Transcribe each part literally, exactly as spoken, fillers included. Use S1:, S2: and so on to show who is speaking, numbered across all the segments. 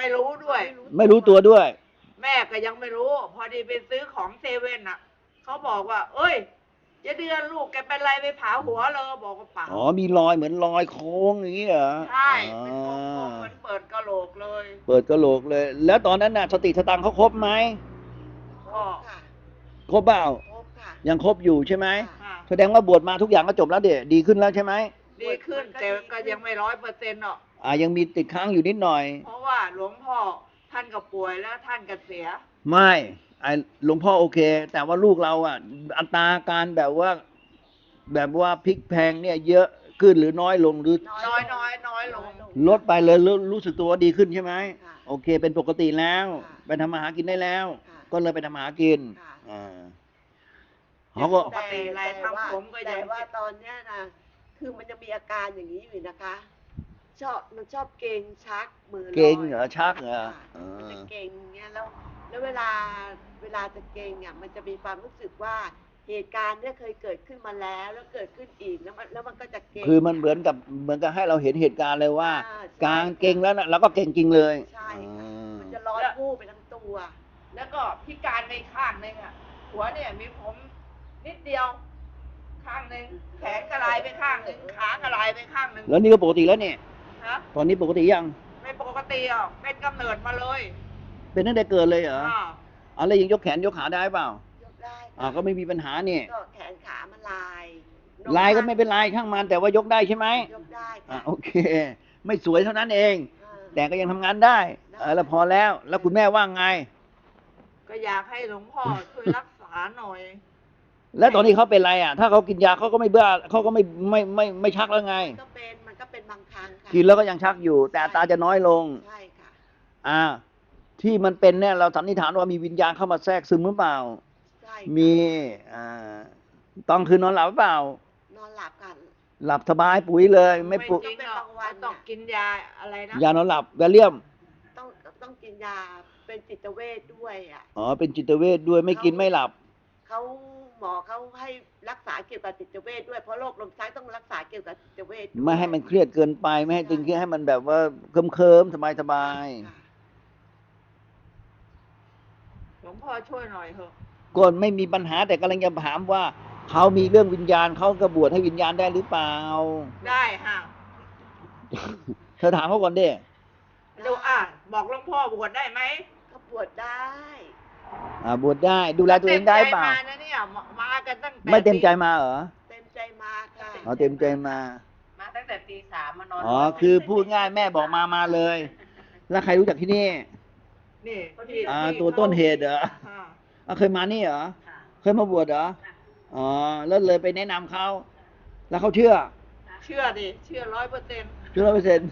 S1: ไม่รู้ด้วย
S2: ไม่รู้ตัวด้วย
S1: แม่ก็ยังไม่รู้พอดีไปซื้อของเซเว่นอ่ะเขาบอกว่า เอ้ยเจะเดือนลูกแกเป็นไรไปผ่าหัวเลยบอกว่าเปล่า
S2: อ๋อมีรอยเหมือนรอยโค้งอย่างนี้เหรอ
S1: ใช่เป็นโค้งๆเหมือนเปิดกะโหลกเลย
S2: เปิดกระโหลกเลย แล้วตอนนั้นน่ะสติสตังค์เขาครบไหม
S1: ก็
S2: ครบเปล่า
S3: ครบค่ะ
S2: ยังครบอยู่ใช่ไหม
S1: ค่ะ
S2: แสดงว่าบวชมาทุกอย่างก็จบแล้วเด็ดีขึ้นแล้วใช่ไหม
S1: ดีขึ้นแต่ก็ยังไม่ร้อยเปอร์เซ็นต์หรอก
S2: อ่ายังมีติดค้างอยู่นิดหน่อย
S1: เพราะว่าหลวงพ่อท่านก็ป่วยแล้วท่านก็เสีย
S2: ไม่ไอหลวงพ่อโอเค แต่ว่าลูกเราอ่ะ อัตราการแบบว่า แบบว่าพลิกแพลงเนี่ยเยอะขึ้นหรือน้อยลงหรือ
S1: น้อยน้อยน้อยลง
S2: ลดไปเลยรู้รู้สึกตัวว่าดีขึ้นใช่ไหม
S3: ค่ะ
S2: โอเค เป็นปกติแล้ว
S3: ค่ะ
S2: ไปทำมาหากินได้แล้ว
S3: ค่ะ
S2: ก็เลยไปทำมาหากิน
S3: ค่ะ
S2: อ่าเขาก็
S1: ปกติอะไรทำผมก็ยัง
S3: แต่ว่าตอนเนี้ยนะคือมันจะมีอาการอย่างนี้อยู่นะคะ ชอบมันชอบเกร็งชักมือลอย
S2: เก่งเหรอชักเหรอ
S3: ค่ะ
S2: เอ
S3: มันจะ
S2: อ
S3: เกร็งเงี้ยแล้วแล้วเวลาเวลาจะเกร็งอ่ะมันจะมีความรู้สึกว่าเหตุการณ์เนี้ยเคยเกิดขึ้นมาแล้วแล้วเกิดขึ้นอีกแล้วมันแล้วมันก็จะเกร็ง
S2: คือมันเหมือนกับเหมือนกับให้เราเห็นเหตุการณ์เลยว่า
S3: อ่าใช่
S2: การเก่งแล้วนะเราก็เก่งจริงเลย
S3: ใช่ค่ะ
S2: อ่า
S3: มันจะร้อนผู้ไปทั้งตัว
S1: แล้วก็พิการในข้างหนึ่งอ่ะ หัวเนี่ยมีผมนิดเดียว ข้างหนึ่งแขนกระลายไปข้างหนึ่งขากระลายไปข้างหนึ่ง
S2: แล้วนี่ก็ปกติแล้วเนี่ย
S1: ฮะ
S2: ตอนนี้ปกติยัง
S1: ไม่ปกติอ่ะเป็นกำเนิดมาเลย
S2: เป็นตั้งแต่เกิดเลยเหรอ
S1: อ่า
S2: อ๋อแล้วยังยกแขนยกขาได้เปล่า
S3: ยกได้ค่ะ
S2: อ่าก็ไม่มีปัญหาเนี่ย
S3: ก็แขนขามันลาย
S2: ลายก็ไม่เป็นไรช่างมันแต่ว่ายกได้ใช่ไหม
S3: ยกได้
S2: อ่า
S3: ค่ะ
S2: โอเค ไม่สวยเท่านั้นเอง
S3: อ่า
S2: แต่ก็ยังทำงานได้เออแล้วพอแล้ว แล้วคุณแม่ว่าไง
S1: ก็อยากให้หลวงพ่อช่วยรักษาหน่อย
S2: แล้วตอนนี้เขาเป็นไรอ่ะ ถ้าเขากินยาเขาก็ไม่เบื่อเขาก็ไม่ไม่ไม่ไม่ไม่ชักแล้วไง
S3: มันก็เป็นมันก็เป็นบางครั้งค่ะ
S2: กินแล้วก็ยังชักอยู่ แต่อัตราจะน้อยลง
S3: ใช่ค่ะ
S2: อ่า ที่มันเป็นเนี่ยเราสันนิษฐานว่ามีวิญญาณเข้ามาแทรกซึมหรือเปล่า
S3: ใช่ค่ะ
S2: มี อ่าตอนคืนนอนหลับหรือเปล่า
S3: นอนหลับกัน
S2: หลับสบายปุ๋ยเลย ไม่ปุ
S1: จริงหรอกว่าต้องกินยาอะไรนะ
S2: ยานอนหลับแวลเลียม
S3: ต้องต้องกินยาเป็นจิตเวชด้วยอ่ะ
S2: อ๋อ เป็นจิตเวชด้วยไม่กินไม่หลับ
S3: เขาหมอเขาให้รักษาเกี่ยวกับจิตเวชด้วยเพราะโรคลมชักต้องรักษาเกี่ยวกับจิตเวชด้วย
S2: ไม่ให้มันเครียดเกินไป ไม่ให้ตึงเครียดให้มันแบบว่าเคิมเคิมสบายสบาย
S3: ค่ะ
S1: หลวงพ่อช่วยหน่อยเถอะ
S2: ๆก็ไม่มีปัญหาแต่กำลังจะถามว่าเขามีเรื่องวิญญาณเขากระบวชให้วิญญาณได้หรือเปล่า
S1: ได้ฮะ
S2: เธอถามเขาก่อนดิ
S1: ดูอ่ะบอกหลวงพ่อบวชได้ไหม
S3: ก็ปวดได้
S2: อ่าบวชได้ดูแลตัวเองได้เปล่า
S1: ต็มใจมานะเนี่ยมามากันตั้งแต่
S2: ไม่เต็มใจมาเหรอ
S3: เต็มใจมาค่ะ
S2: อ๋อเต็มใจมา
S4: มาตั้งแต่ตีสามมานอน
S2: อ๋อคือพูดง่ายแม่บอกมามาเลย แล้วใครรู้จักที่นี่
S1: นี่ที่
S2: อ่า
S1: ที่
S2: ตัวต้นเหตุเหรอ
S1: อ่า
S2: อ่ะเคยมานี่เหรอ
S4: ค่ะ
S2: เคยมาบวชเหรอ อ๋อ แล้วเลยไปแนะนำเขา แล้วเขาเชื่อ
S1: เชื่อดิเชื่อร้อยเปอร์เซ็นต์
S2: เชื่อร้อยเปอร์เซ็นต์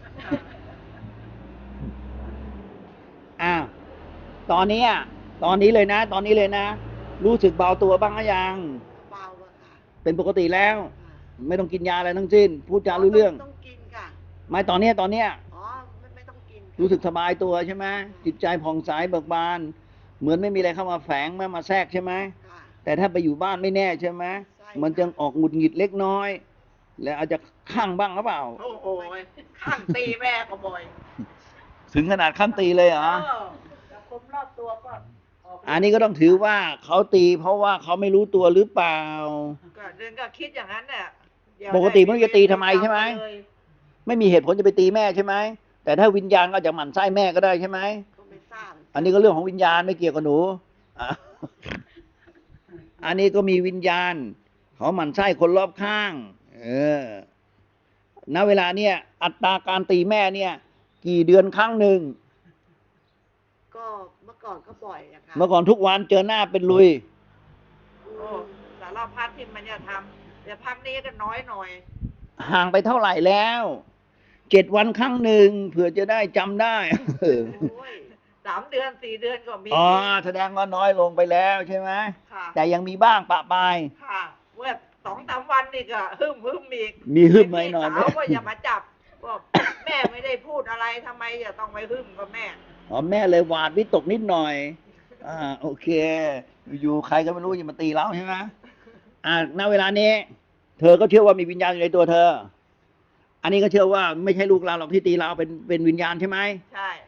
S2: อ้าวตอนนี้อ่ะตอนนี้เลยนะ ตอนนี้เลยนะ รู้สึกเบาตัวบ้างหรือยัง
S3: เบาอะค่ะ
S2: เป็นปกติแล้ว
S3: ค่ะ
S2: ไม่ต้องกินยาอะไรทั้งสิ้น พูดจารู้เรื่อง
S3: ต้องกินค่ะ
S2: ไม่ตอนเนี้ยตอนเนี้ย
S3: อ๋อไม่ไม่ต้องกินค่ะ
S2: รู้สึกสบายตัวใช่ไหมจิตใจผ่องใสเบิกบาน เหมือนไม่มีอะไรเข้ามาแฝงไม่มาแทรกใช่ไหม
S3: ค่ะ
S2: แต่ถ้าไปอยู่บ้านไม่แน่ใช่ไหม
S3: ใช่
S2: มันจะออกหงุดหงิดเล็กน้อย แล้วอาจจะข้างบ้างหรือเปล่า
S1: โอ้โหข้างตีแม่ก็บ่อย
S2: ถึงขนาดขั้นตีเลยเหรอ
S1: เออแต่คนรอบตัวก็ออก
S2: อันนี้ก็ต้องถือว่าเขาตีเพราะว่าเขาไม่รู้ตัวหรือเปล่า
S1: ก็เดินก็คิดอย่างนั้นเนี่ยเดี๋ยว
S2: ปกติไม่รู้จะตีทำไมใช่ไหม
S1: เลย
S2: ไม่มีเหตุผลจะไปตีแม่ใช่ไหม แต่ถ้าวิญญาณก็จะหมั่นไส้แม่ก็ได้ใช่ไหม
S3: ก็ไม่ทราบ
S2: อันนี้ก็เรื่องของวิญญาณไม่เกี่ยวกับหนูอ่ะอันนี้ก็มีวิญญาณ เขาหมั่นไส้คนรอบข้าง เออ ณ เวลาเนี่ย อัตราการตีแม่เนี่ย กี่เดือนครั้งหนึ่ง
S3: ก็เมื่อก่อนก็บ่อยอะค่ะ
S2: เมื่อก่อนทุกวันเจอหน้าเป็นลุย
S1: โอ้สารพัดที่มันจะทำแต่พักนี้ก็น้อยหน่อย
S2: ห่างไปเท่าไหร่แล้ว เจ็ดวันครั้งหนึ่งเผื่อจะได้จำได้
S3: โอ้ย
S1: สามเดือนสี่เดือนก็มี
S2: อ๋อ แสดงว่าน้อยลงไปแล้วใช่ไหม
S1: ค่ะ
S2: แต่ยังมีบ้างปะปาย
S1: ค่ะเมื่อสองสามวันนี่ก็ฮึมฮึมอีก
S2: มีฮึมไหมหน่อยไหม
S1: พี่สาวว่าอย่ามาจับบอกแม่ไม่ได้พูดอะไรทำไมจะต้องไปฮึมกับแม่
S2: อ๋อแม่เลยหวาดวิตกนิดหน่อย อ่า โอเค อยู่ๆใครก็ไม่รู้อย่ามาตีเราใช่ไหมอ่า ณ เวลานี้ เธอก็เชื่อว่ามีวิญญาณอยู่ในตัวเธอ อันนี้ก็เชื่อว่าไม่ใช่ลูกเราหรอกที่ตีเราเป็นเป็นวิญญาณใช่ไหม
S1: ใช่
S2: อ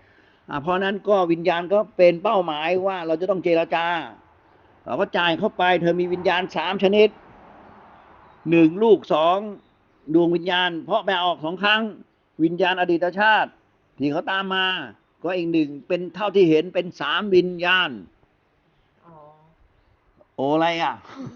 S2: อ่าเพราะนั้นก็วิญญาณก็เป็นเป้าหมายว่าเราจะต้องเจรจาเราก็จ่ายเข้าไปเธอมีวิญญาณสามชนิดหนึ่งลูกสองดวงวิญญาณ เพราะแปลออกสองครั้งวิญญาณอดีตชาติที่เขาตามมา ก็อีกหนึ่งเป็นเท่าที่เห็นเป็นสามวิญญาณ
S1: อ๋อ
S2: โออะไรอ่ะ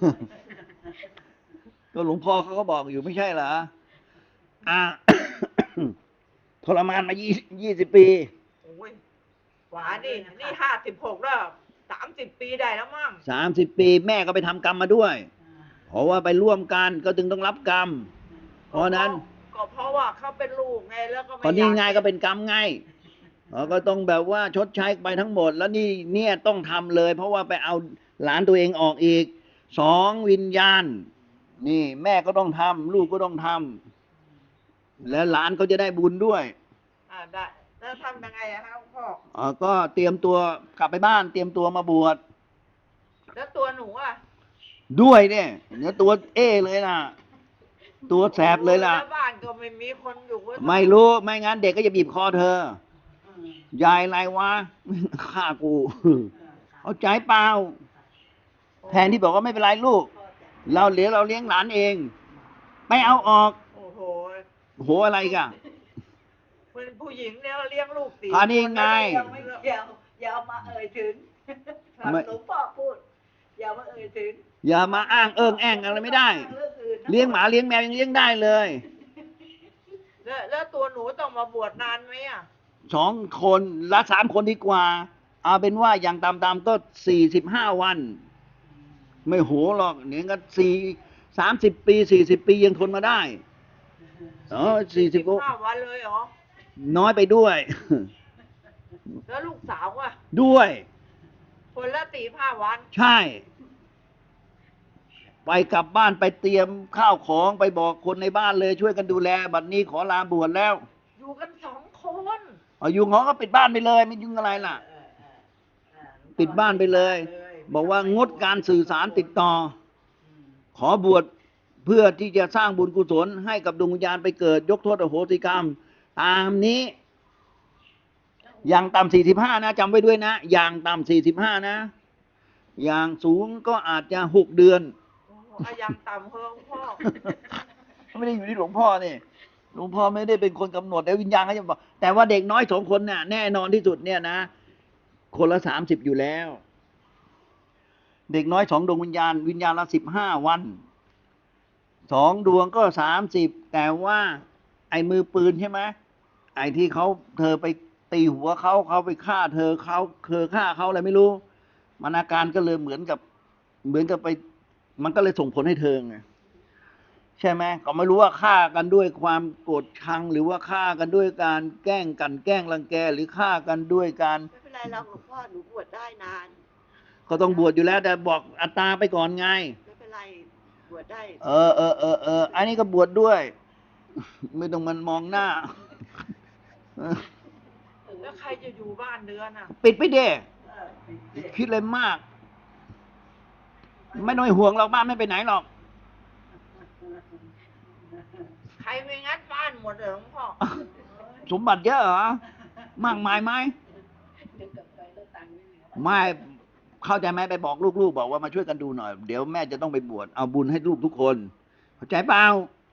S2: ก็หลวงพ่อเขาก็บอกอยู่ไม่ใช่เหรออ่า ทรมานมายี่ยี่สิบปี
S1: โอ้ยหวานนี่นี่ห้าสิบหกแล้วสามสิบปีได้แล้วมั้ง
S2: สามสิบปีแม่ก็ไปทำกรรมมาด้วย เพราะว่าไปร่วมกันก็จึงต้องรับกรรม เพราะนั้น
S1: ก็เพราะว่าเขาเป็นลูกไงแล้วก็ไม่
S2: ก็นี่
S1: อยา
S2: ไงก็เป็นกรรมไงเราก็ต้องแบบว่าชดใช้ไปทั้งหมด แล้วนี่เนี่ยต้องทำเลย เพราะว่าไปเอาหลานตัวเองออกอีกสองวิญญาณ นี่แม่ก็ต้องทำลูกก็ต้องทำแล้วหลานก็จะได้บุญด้วย
S1: อ่าได้แล้วทำยังไงอะครับพ่อ
S2: อ่าก็เตรียมตัวกลับไปบ้าน เตรียมตัวมาบวช
S1: แล้วตัวหนูอะ
S2: ด้วยเนี่ยเนื้อตัวเอเลยนะตัวแสบเลยล่ะ
S1: แล้วบ้านก็ไม่มีคนอยู่ก็ต้อง
S2: ไม่รู้ไม่งั้นเด็กก็จะบีบคอเธอ ยายอะไรวะ ฆ่ากูเอาใจเปล่า แทนที่บอกว่าไม่เป็นไรลูก เราเหลือเราเลี้ยงหลานเอง ไม่เอาออก
S1: โอ้โห
S2: โหอะไรกัน
S1: เป็นผู้หญิงเนี่ยเลี้ยงลูกสี่
S2: อันนี้ไง
S1: คน
S4: ไม่เกี่ยวอย่าเอามาเอ่ยถึง
S2: ไม่
S4: หลวงพ่อพูด อย่ามาเอ่ยถึง
S2: อย่ามาอ้างเอิงแองอะไรไม่ได้
S4: เรื่องอื่นนะ
S2: เลี้ยงหมาเลี้ยงแมวยังเลี้ยงได้เลย
S1: แล้วแล้วตัวหนูต้องมาบวชนานไหมอะ
S2: สองคนละสามคนดีกว่า เอาเป็นว่าอย่างตามๆก็สี่สิบห้าวัน ไม่โหหรอกเนี่ยก็สี่สามสิบปีสี่สิบปียังทนมาได้เออสี่สิบ
S1: ห้าวันเลยเหรอ
S2: น้อยไปด้วย
S1: แล้วลูกสาวอะ
S2: ด้วย
S1: คนละสี่ห้าวัน
S2: ใช่ ไปกลับบ้านไปเตรียมข้าวของไปบอกคนในบ้านเลยช่วยกันดูแล บัดนี้ขอลาบวชแล้ว
S1: อยู่กันสองคน
S2: เอายุงเขาก็ปิดบ้านไปเลย ไม่ยุ่งอะไรล่ะ
S4: เออเออเออ
S2: ปิดบ้านไปเลย บอกว่างดการสื่อสารติดต่อ
S4: อืม
S2: ขอบวชเพื่อที่จะสร้างบุญกุศลให้กับดวงวิญญาณไปเกิด ยกโทษอโหสิกรรม ตามนี้ อย่างต่ำสี่สิบห้านะจำไว้ด้วยนะ อย่างต่ำสี่สิบห้านะ อย่างสูงก็อาจจะหกเดือน
S1: โอ้โหอายังต่ำเฮิงพ่อ
S2: ไม่ได้อยู่ที่หลวงพ่อนี่หลวงพ่อไม่ได้เป็นคนกำหนดแต่วิญญาณเขาจะบอก แต่ว่าเด็กน้อยสองคนเนี่ยแน่นอนที่สุดเนี่ยนะ คนละสามสิบอยู่แล้ว เด็กน้อยสองดวงวิญญาณ วิญญาณละสิบห้าวันสองดวงก็สามสิบแต่ว่า ไอ้มือปืนใช่ไหมไอ้ที่เขาเธอไปตีหัวเขาเขาไปฆ่าเธอเขาเธอฆ่าเขาอะไรไม่รู้ มันอาการก็เลยเหมือนกับ เหมือนกับไป มันก็เลยส่งผลให้เธอไงใช่ไหมก็ไม่รู้ว่าฆ่ากันด้วยความโกรธชัง หรือว่าฆ่ากันด้วยการแกล้งกันแกล้งรังแก หรือฆ่ากันด้วยการ
S3: ไม่เป็นไรหรอกหลวงพ่อหนูบวชได้นาน
S2: ก็ต้องบวชอยู่แล้ว แต่บอกอัตตาไปก่อนไง
S3: ไม่เป็นไรบวชได้
S2: เออเออเออเอออันนี้ก็บวชด้วย ไม่ต้องมันมองหน้า
S1: แล้วใครจะอยู่บ้านเดือนอ่ะ
S2: ปิดไปเด้
S4: เออปิดเสียง
S2: คิดเลยมาก ไม่ต้องห่วงหรอกบ้านไม่ไปไหนหรอก
S1: ใครไม่งัดบ้านหมดเลยหลวงพ่อ
S2: สมบัติเยอะเหรอ มากมายไหม
S4: เดี๋ยวกลับไปแล้วตังค์ไม่เหลือ
S2: ไม่เข้าใจไหมไปบอกลูกๆบอกว่ามาช่วยกันดูหน่อย เดี๋ยวแม่จะต้องไปบวชเอาบุญให้ลูกทุกคน เข้าใจเปล่า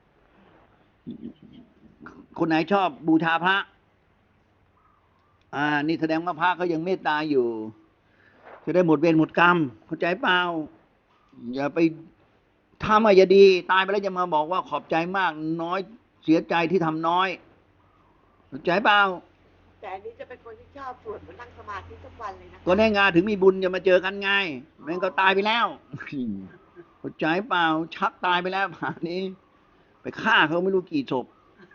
S2: คนไหนชอบบูชาพระ อ่า นี่แสดงว่าพระเขายังเมตตาอยู่ จะได้หมดเวรหมดกรรม เข้าใจเปล่า อย่าไปทำอะไรดี ตายไปแล้วจะมาบอกว่าขอบใจมากน้อยเสียใจที่ทำน้อย เข้าใจเปล่า
S3: แต่อันนี้จะเป็นคนที่ชอบสวดเหมือนนั่งสมาธิทุกวันเลยนะคะ
S2: ก็ได้งานถึงมีบุญจะมาเจอกันไงแม่งก็ตายไปแล้ว เข้าใจเปล่า ชักตายไปแล้วป่านนี้ ไปฆ่าเขาไม่รู้กี่ศพ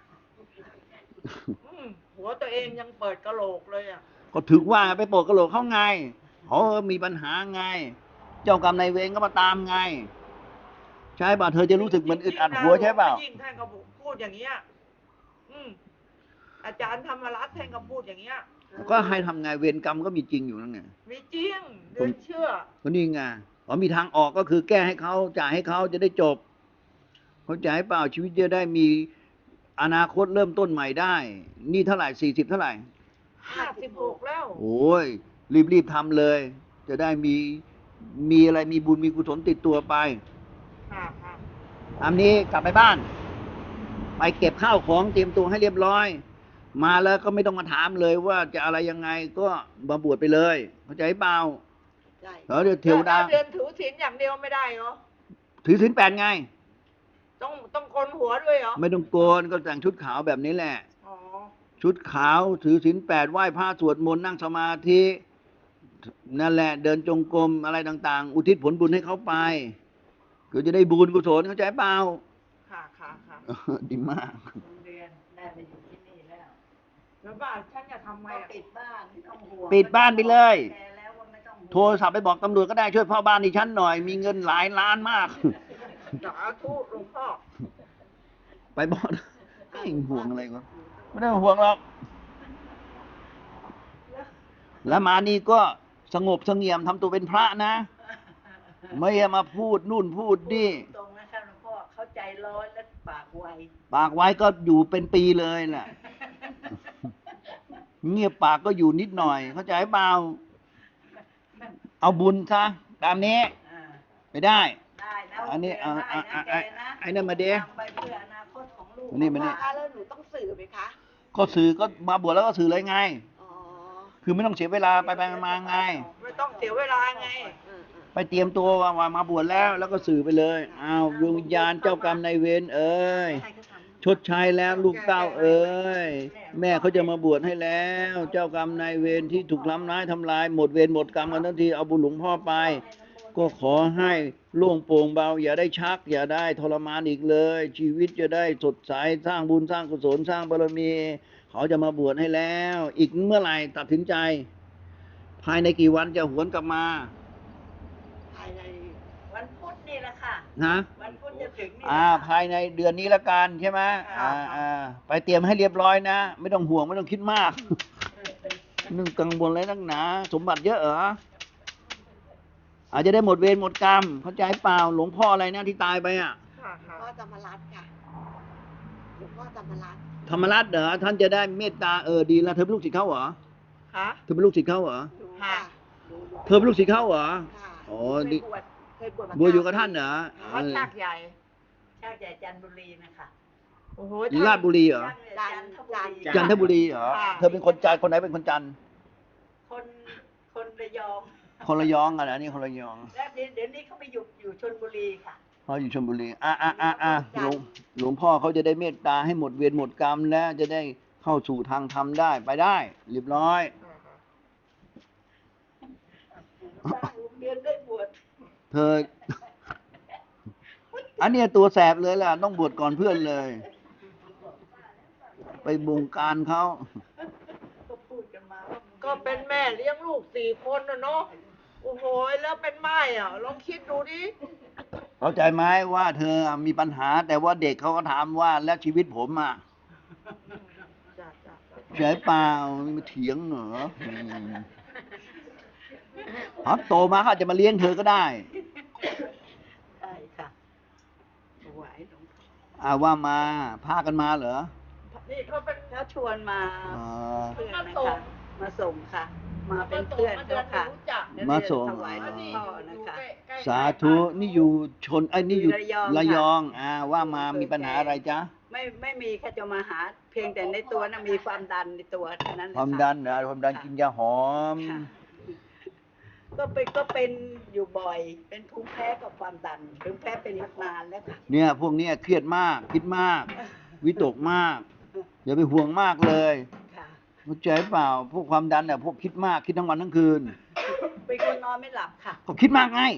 S1: อืมหัวตัวเองยังเปิดกระโหลกเลยอ่ะ
S2: ก็ถึงว่าไปโปกกระโหลกเขาไงเขามีปัญหาไง เจ้ากรรมนายเวรก็มาตามไง ใช่ป่ะเธอจะรู้สึกเหมือนอึดอัดหัวใช่เปล่า
S1: ยิ่งท่านก็พูดอย่างเงี้ย อืมอาจารย์ธรรมรัตน์ท่านก็พูดอย่างเงี้ย
S2: ก็ให้ทำไงเวรกรรมก็มีจริงอยู่นั่นไง
S1: มีจริงเดือนเชื่อ
S2: ก็นี่ไงอ๋อมีทางออกก็คือแก้ให้เขาจ่ายให้เขาจะได้จบ เข้าใจเปล่าชีวิตจะได้มีอนาคตเริ่มต้นใหม่ได้ นี่เท่าไหร่สี่สิบเท่าไหร่
S3: ห
S1: ห้าสิบหกแล้ว
S2: โอ้ยรีบรีบทำเลย จะได้มีมีอะไรมีบุญมีกุศลติดตัวไป
S1: ค่ะค่ะ
S2: ตามนี้กลับไปบ้าน ไปเก็บข้าวของเตรียมตัวให้เรียบร้อย มาแล้วก็ไม่ต้องมาถามเลยว่าจะอะไรยังไงก็มาบวชไปเลยเข้าใจเปล่า
S3: ใช่
S2: แล้วเดี๋ยวเทวดา
S1: แล้เดือนถือศีลอย่างเดียวไม่ได้เหรอ
S2: ถือศีลแปดไง
S1: ต้องต้องโกนหัวด้วยเหรอ
S2: ไม่ต้องโกนก็แต่งชุดขาวแบบนี้แหละ
S1: อ๋อ
S2: ชุดขาวถือศีลแปดไหว้พระสวดมนต์นั่งสมาธินั่นแหละ เดินจงกรมอะไรต่าง ๆ อุทิศผลบุญให้เขาไปก็จะได้บุญกุศลเข้าใจเปล่า
S1: ค่ะค่ะค่ะ
S2: ดีมาก
S4: โรงเรียนได้มาอยู่ที่นี่แล้ว
S1: แล้วบ้านฉันจะทำไง
S4: ก็
S1: อะ
S4: ปิดบ้านไม่ต้องห่วง
S2: ปิดบ้านไปเลย
S4: แกแล้วว่าไม่ต้องห่วง
S2: โทรศัพท์ไปบอกตำรวจก็ได้ช่วยพ่อบ้านดิฉันหน่อย มีเงินหลายล้านมาก
S1: สาธุหลวงพ่อ
S2: ไปบอกไอ้ห่วงอะไรวะไม่ได้ห่วงหรอก แล้วมานี่ก็สงบเสงี่ยมทำตัวเป็นพระนะ ไม่อย่ามาพูดนู่นพูดนี่
S4: ตรงนะคะหลวงพ่อเข้าใจร้อนและปากไว
S2: ปากไว้ก็อยู่เป็นปีเลยแหละ เงียบปากก็อยู่นิดหน่อย เข้าใจเปล่า เอาบุญซะตามนี้
S4: อ่า
S2: ไม่ได้
S4: ได้นะ
S2: อันนี้
S4: โอเค
S2: อ่ะ
S4: ได้
S2: อ่ะ
S4: นะ
S2: อ่ะ
S4: แกนะ
S2: ไอ้นั่นมาดิ
S4: ทำไปเพื่ออนาคตของลูก
S2: มานี่มานี่
S3: คะแล้วหนูต้องสื่อไหมคะ
S2: ก็สื่อก็มาบวชแล้วก็สื่อเลยไง
S3: อ๋อ
S2: คือไม่ต้องเสียเวลาไปไปมาๆไง
S1: ไม่ต้องเสียเวลาไง
S3: เออเออ
S2: ไปเตรียมตัวว่ามามาบวชแล้ว แล้วก็สื่อไปเลยอ้าวดวงวิญญาณเจ้ากรรมนายเวรเอ้ย
S4: ให้เขาทำ
S2: ชดใช้แล้วลูกเต้าเอ้ยแม่เขาจะมาบวชให้แล้ว เจ้ากรรมนายเวรที่ถูกล้ำร้ายทำลาย หมดเวรหมดกรรมกันทั้งทีเอาบุญหลวงพ่อไป ก็ขอให้โล่งโปร่งเบา อย่าได้ชัก อย่าได้ทรมานอีกเลย ชีวิตจะได้สดใสสร้างบุญสร้างกุศลสร้างบารมี เขาจะมาบวชให้แล้ว อีกเมื่อไหร่ตัดสินใจ ภายในกี่วันจะหวนกลับมา
S3: ภายใน
S4: วันพุธนี่แหละค่ะ
S2: นะ
S4: วันพุธจะถึงนี่แหละ
S2: อ่า
S4: ค่ะ
S2: ภายในเดือนนี้ละกันใช่ไหมอ่าอ่าไปเตรียมให้เรียบร้อยนะ ไม่ต้องห่วงไม่ต้องคิดมาก นึ่งกังวลอะไรนักหนา สมบัติเยอะเหรออาจจะได้หมดเวรหมดกรรม เข้าใจเปล่าหลวงพ่ออะไรนะที่ตายไปอ่ะ
S1: ค่ะ
S3: หลว
S1: ค่ะ
S3: งพ่อธรรมรัตน์ค่ะหลวงพ่อธรรมรัตน์
S2: ธรรมรัตน์เหรอท่านจะได้เมตตาเออดีแล้วเธอเป็นลูกศิษย์เขาเหรอ
S1: ค่ะ
S2: เธอเป็นลูกศิษย์เขาเหรอ
S3: ดู
S1: ค่ะ
S3: ค่ะดูดู
S2: เธอเป็นลูกศิษย์เขาเหรอ
S3: ค่ะ
S2: อ๋อ
S3: เค
S2: ดี
S3: ยบวชเคยบวชมา
S2: บวชอยู่กับท่านเหรอ
S1: วัดชากใหญ่
S4: ชาติใหญ่จันทบุรีนะคะ
S1: โอ้โห
S2: ราชบุรีเหรอ
S4: ชาติใหญ่จันทบุรี
S2: จันทบุรีเหรอเธอเป็นคนจันทร์คนไหนเป็นคนจันทร์
S4: คนคนระยอง
S2: คนระยองอ่ะนะนี่คนระยอง
S4: และเดี๋ยวเดี๋ยวนี้เขาไปอยู่อยู่ชลบุรีค่ะ
S2: เขาอยู่ชลบุรี อ่ะอ่ะอ่ะอ่ะหลวงหลวงพ่อเขาจะได้เมตตาให้หมดเวรหมดกรรมแล้วจะได้เข้าสู่ทางธรรมได้ไปได้ เรียบร้อย
S4: สร้างโรงเรียนได้บวช
S2: เธอ อันเนี้ยตัวแสบเลยล่ะ ต้องบวชก่อนเพื่อนเลย ไปบงการเขา
S4: ก็พูดกันมาว่ามึง
S1: ก็เป็นแม่เลี้ยงลูกสี่คนนะเนาะ โอ้โห แล้วเป็นไม้อ่ะ ลองคิดดูดิ
S2: เข้าใจไหมว่าเธอมีปัญหา แต่ว่าเด็กเขาก็ถามว่าแล้วชีวิตผมอ่ะ
S1: จ้ะจ้ะจ้ะ
S2: ใช่เปล่ามาเถียงเหรออืมอ๋อโตมาเขาอาจจะมาเลี้ยงเธอก็ได้
S4: ใช่ค่ะถวายหลวงพ่อ
S2: อ่าว่ามาพากันมาเหรอ
S1: นี่เขาเป็น
S4: เขาชวนมา
S2: อ๋อ
S4: เพื่อนนะคะมาส่งค่ะ มาเป็นเพื่อนเขาค่ะ
S1: รู้จัก
S2: มาส่ง
S4: ถวายหลวง
S1: นี่
S4: พ่อ
S1: อยู่
S4: นะคะ
S1: ใกล้ๆ
S2: สาธุนี่อยู่ชนไอ้ยนี่อยู่
S4: อยู่ระยอง
S2: ระยอง
S4: ค่ะ
S2: อ่าว่ามามีปัญหาอะไรจ๊ะ
S4: ไม่ไม่มีแค่จะมาหา เพียงแต่ในตัวน่ะมีความดันในตัวเท่านั้นแหละ
S2: ความ
S4: ค่ะ
S2: ดันเหรอความดันกินยาหอม
S4: ค่ะก็เป็นก็เป็นอยู่บ่อย เป็นภูมิแพ้กับความดันภูมิแพ้เป็นมานานแล้วค่ะ
S2: เนี่ย พวกเนี้ยเครียดมาก คิดมาก วิตกมาก อย่าไปห่วงมากเลย
S4: ค่ะ
S2: เข้าใจเปล่า พวกความดันเนี่ยพวกคิดมากคิดทั้งวันทั้งคืน
S4: เป็นคนนอนไม่หลับค่ะ
S2: ก็คิดมากไง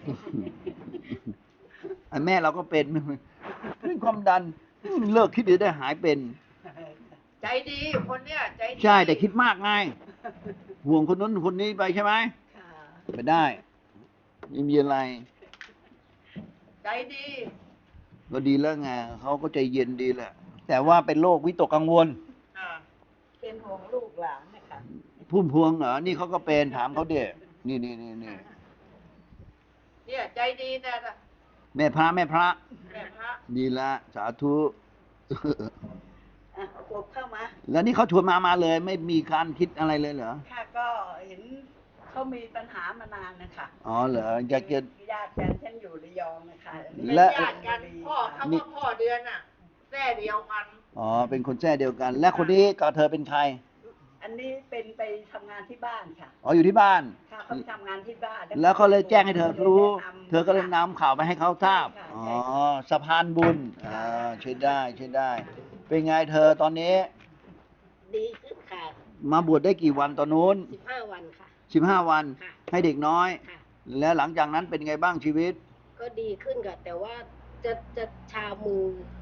S2: ไอ้แม่เราก็เป็นเรื่องความดันเลิกคิดเดี๋ยวได้หายเป็น
S1: ใจดีคนเนี้ยใจดี
S2: ใช่แต่คิดมากไง ห่วงคนนั้นคนนี้ไปใช่ไหม
S4: ค่ะ
S2: ไปได้ไม่มีอะไร
S1: ใจดี
S2: ก็ดีแล้วไงเขาก็ใจเย็นดีแหละ แต่ว่าเป็นโรควิตกกังวล
S1: อ่า
S4: เป็นห่วงลูกหลานนะคะ
S2: พุ่มพวงเหรอ นี่เขาก็เป็นถามเขาเด็นี่นี่นี่นี่
S1: เนี่ยใจดีแต่ละ
S2: แม่พระแม่พระ
S1: แม่พระ
S2: ดีละ สาธุ
S4: ออ่ะกบเข้ามา
S2: แล้วนี่เขาชวนมามาเลย ไม่มีการคิดอะไรเลยเหรอ
S4: ค่ะก็เห็นเขามีปัญหามานานนะคะ
S2: อ๋อเหรออยากจะ
S4: ญาติกันฉันอยู่ระยองนะคะ
S1: เป็น
S2: และ
S1: ญาติกันพ่อเขาว่าพ่อเดือนอ่ะแม่เดียวกัน
S2: อ๋อเป็นคนแท้เดียวกัน และคนนี้กับเธอเป็นใคร
S4: อันนี้เป็นไปทำงานที่บ้านค่ะ
S2: อ๋ออยู่ที่บ้าน
S4: ค่ะเขาไปทำงานที่บ้าน
S2: แล้วเขาเลยแจ้งให้เธอรู้
S4: แนะนำ
S2: เธอก็เลยนำข่าวไปให้เขาทราบ
S4: ใช่ค่ะ
S2: อ๋อ
S4: ใช่ค่ะ
S2: สะพานบุญ อ่าใช่ได้ใช่ได้ เป็นไงเธอตอนนี้
S5: ดีขึ้นค่ะ
S2: มาบวชได้กี่วันตอนนู้น
S5: สิบห้าวันค่ะ
S2: สิบห้าวัน
S5: ค่ะ
S2: ให้เด็กน้อย
S5: ค่ะ
S2: แล้วหลังจากนั้นเป็นไงบ้างชีวิต
S5: ก็ดีขึ้นค่ะ แต่ว่าจะจะชามือ